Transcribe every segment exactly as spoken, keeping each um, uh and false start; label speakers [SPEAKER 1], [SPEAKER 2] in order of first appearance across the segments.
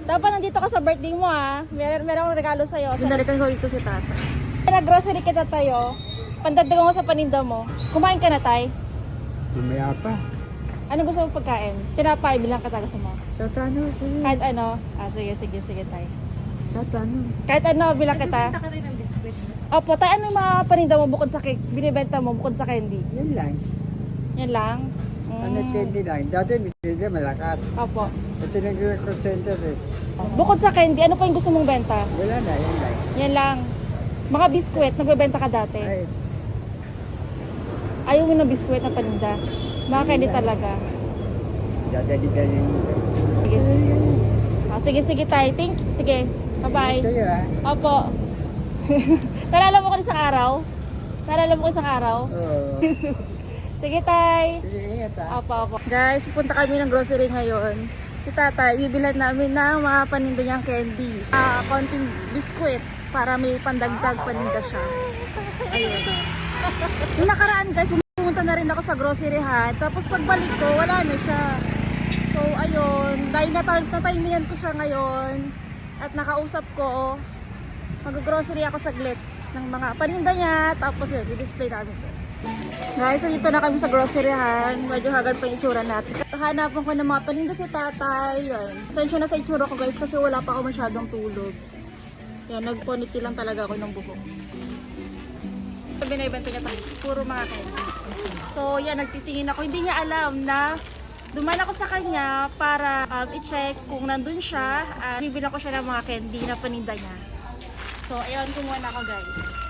[SPEAKER 1] Dapat nandito ka sa birthday mo ah. Meron meron akong regalo sa'yo.
[SPEAKER 2] Binalikan ko dito si tata.
[SPEAKER 1] Nag-grocery kita tayo. Pandagdagan ko sa paninda mo. Kumain ka na, tay?
[SPEAKER 3] Lumaya pa.
[SPEAKER 1] Ano gusto mo pagkain? Tinapay, bilang ka gusto mo.
[SPEAKER 3] Tatano, sige.
[SPEAKER 1] Kahit ano? Ah, sige, sige, sige, tay.
[SPEAKER 3] Tatano.
[SPEAKER 1] Kahit ano, bilang kita.
[SPEAKER 2] ka rin ng biskwit.
[SPEAKER 1] Opo, tay, ano yung mga paninda mo bukod sa cake? Binibenta mo bukod sa candy?
[SPEAKER 3] Yan lang.
[SPEAKER 1] Yan lang?
[SPEAKER 3] Ano
[SPEAKER 1] Mm.
[SPEAKER 3] candy lang. Dati hindi malakas.
[SPEAKER 1] Opo.
[SPEAKER 3] Ito nag-record center eh.
[SPEAKER 1] Bukod sa candy, ano pa yung gusto mong benta?
[SPEAKER 3] Wala na, yan lang.
[SPEAKER 1] Yan lang. Mga biskwit, nagbebenta ka dati.
[SPEAKER 3] Ay,
[SPEAKER 1] Ayaw mo ng biskwit na paninda. Mga candy talaga.
[SPEAKER 3] dadali-dali mo.
[SPEAKER 1] Sige. Ah, sige, sige, tay. Thank you. Sige. Bye-bye.
[SPEAKER 3] Ito yun ah.
[SPEAKER 1] Opo. Nalala mo ko isang araw? Nalala mo ko isang araw?
[SPEAKER 3] Oo.
[SPEAKER 1] Sige, tay.
[SPEAKER 3] Sige, ingat ah.
[SPEAKER 1] Opo, opo. Guys, pupunta kami ng grocery ngayon. Si tatay, ibilhan namin ng mga paninda niyang candy. Ah, konting biskwit para may pandagdag paninda siya. Ayun. Yung nakaraan guys, pumunta na rin ako sa groceryhan. Tapos pagbalik ko, wala na siya. So, ayun. Dahil natatimingan ko siya ngayon at nakausap ko, mag-grocery ako saglit ng mga paninda niya. Tapos yun, i-display namin ko. Guys, so dito na kami sa groceryhan. Medyo hagal pa yung itsura natin. Hanapan ko ng mga paninda si tatay. Yan. Sensya na sa itsura ko guys kasi wala pa ako masyadong tulog. Yan, nag-ponytail lang talaga ako ng buhok. Binibenta niya tayo. Puro mga candy. So yan, nagtitingin ako. Hindi niya alam na duman ako sa kanya para um, i-check kung nandun siya. Uh, Bibilang ko siya ng mga candy na paninda niya. So ayun, kumuha na ako guys.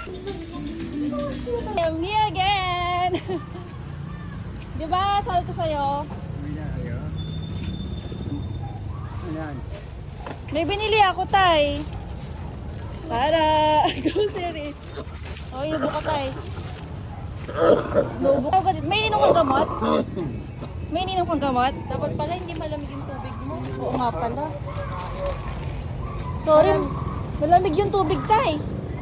[SPEAKER 1] I'm here again! Diba? Sabi ko sa'yo,
[SPEAKER 3] Ayan, ayan. Ayan.
[SPEAKER 1] may binili ako, tay. Tara! Grocery. Oh, inubo ka, tay. Inubo ka. May ininom kang gamot? May ininom kang gamot? Dapat pala hindi malamig yung tubig mo. Oo nga pala. Sorry, malamig yung tubig, tay.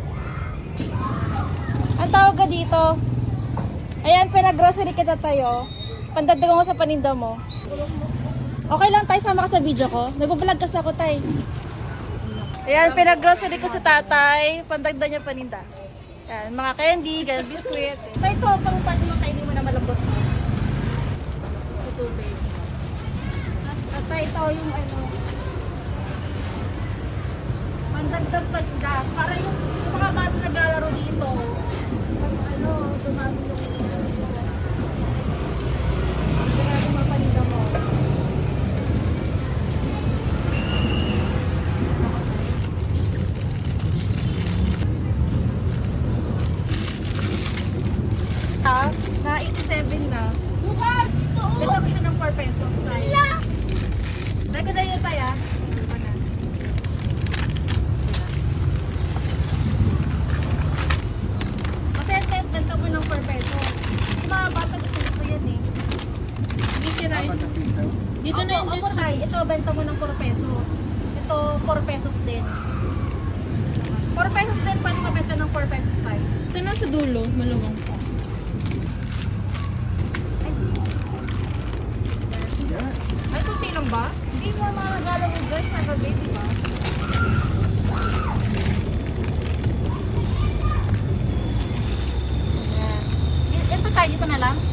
[SPEAKER 1] Ang tawag ka dito. Ayan, pinag-grocery kita tayo. Pandagdagan ko sa paninda mo. Okay lang tayo, sama ka sa video ko. Nag-vlog kasi ako, tay. Ayan, pinag-grocery ko sa tatay. Pandagdag niya paninda. Ayan, mga candy, ganyan, biskuit. Tay, ito, pang pati mo kainin mo na malambot mo. Sa tubig. At tay, ito yung ano. Pandagdag paninda. Para yung, yung mga bata naglalaro dito. Ano, dumami yung dumami yung mga paninda mo. Ah, na eighty-seven na. Benta ko siya ng four pesos tayo. Dahil ko dahil yung tayo ah. Masaya-sayat, benta mo ng four pesos. Yung mga bata gusto gusto yan eh. Hindi sira
[SPEAKER 3] Apat na piso.
[SPEAKER 1] Dito na yung juice tayo. Ito, benta mo ng four pesos. Ito, four pesos din. four pesos din, pwede mabenta ng four pesos tayo.
[SPEAKER 2] Ito na sa dulo, maluwang pa.
[SPEAKER 3] Yan.
[SPEAKER 1] Ay, kunti lang ba? Hindi mo mga regalo mo guys, nagabi, di ba? Ayan. I- Ito tayo, dito na lang.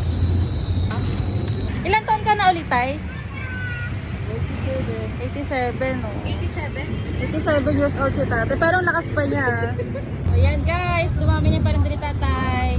[SPEAKER 1] Ilan taon ka na ulit, tay? eighty-seven, oh.
[SPEAKER 2] eighty-seven?
[SPEAKER 1] eighty-seven years old si tatay. Pero ang lakas pa niya. Ayan guys, dumami niya pa rin din ni tatay.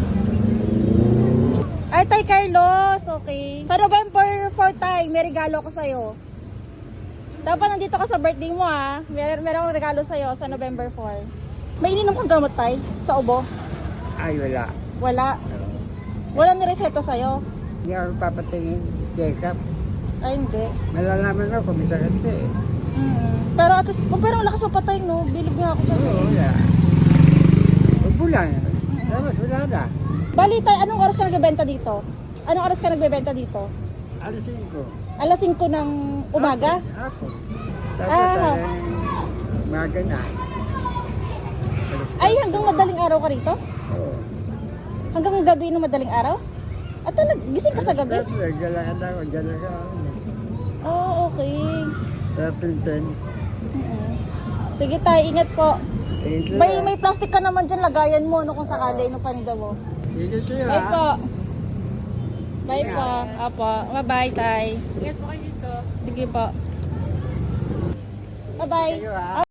[SPEAKER 1] Ay, tay Carlos, okay. Sa November fourth, tay, may regalo ko sa'yo. Dapat nandito ka sa birthday mo, ah. Mer meron akong regalo sa'yo sa November fourth. May ininom kang gamot, tay? Sa ubo?
[SPEAKER 3] Ay, wala.
[SPEAKER 1] Wala. Wala nireseta sa'yo?
[SPEAKER 3] Hindi ako papatingin. Check up.
[SPEAKER 1] Ay, hindi.
[SPEAKER 3] Malalaman ako kung may sakit ka eh.
[SPEAKER 1] Mm. Pero at least, oh, pero ang lakas mo patay, no? Bilib nga ako sa'yo.
[SPEAKER 3] Oo, wala. Huwag mo lang. Dapat wala na.
[SPEAKER 1] Bali, tay, anong oras ka nagbebenta dito? Anong oras ka nagbebenta dito?
[SPEAKER 3] Alisin ko.
[SPEAKER 1] Alas singko ng umaga?
[SPEAKER 3] Ako. Tapos
[SPEAKER 1] Ah.
[SPEAKER 3] ay, umaga na.
[SPEAKER 1] Ay, hanggang madaling araw ka rito?
[SPEAKER 3] Oo.
[SPEAKER 1] Hanggang gabi ng madaling araw? At talag, gising ka sa gabi?
[SPEAKER 3] Galangan ako. Diyan ako.
[SPEAKER 1] Oh, okay.
[SPEAKER 3] Tapos ten.
[SPEAKER 1] Sige tay, ingat po.
[SPEAKER 3] Dito
[SPEAKER 1] May, may plastic ka naman dyan, lagayan mo no, kung sakali nung paninda mo.
[SPEAKER 3] Dito sa'yo
[SPEAKER 1] Bye
[SPEAKER 3] ha.
[SPEAKER 1] po. Bye po. Apo. Bye-bye, tay.
[SPEAKER 2] Ingat po kayo dito.
[SPEAKER 1] Sige po. Bye-bye.
[SPEAKER 3] Sa'yo ha.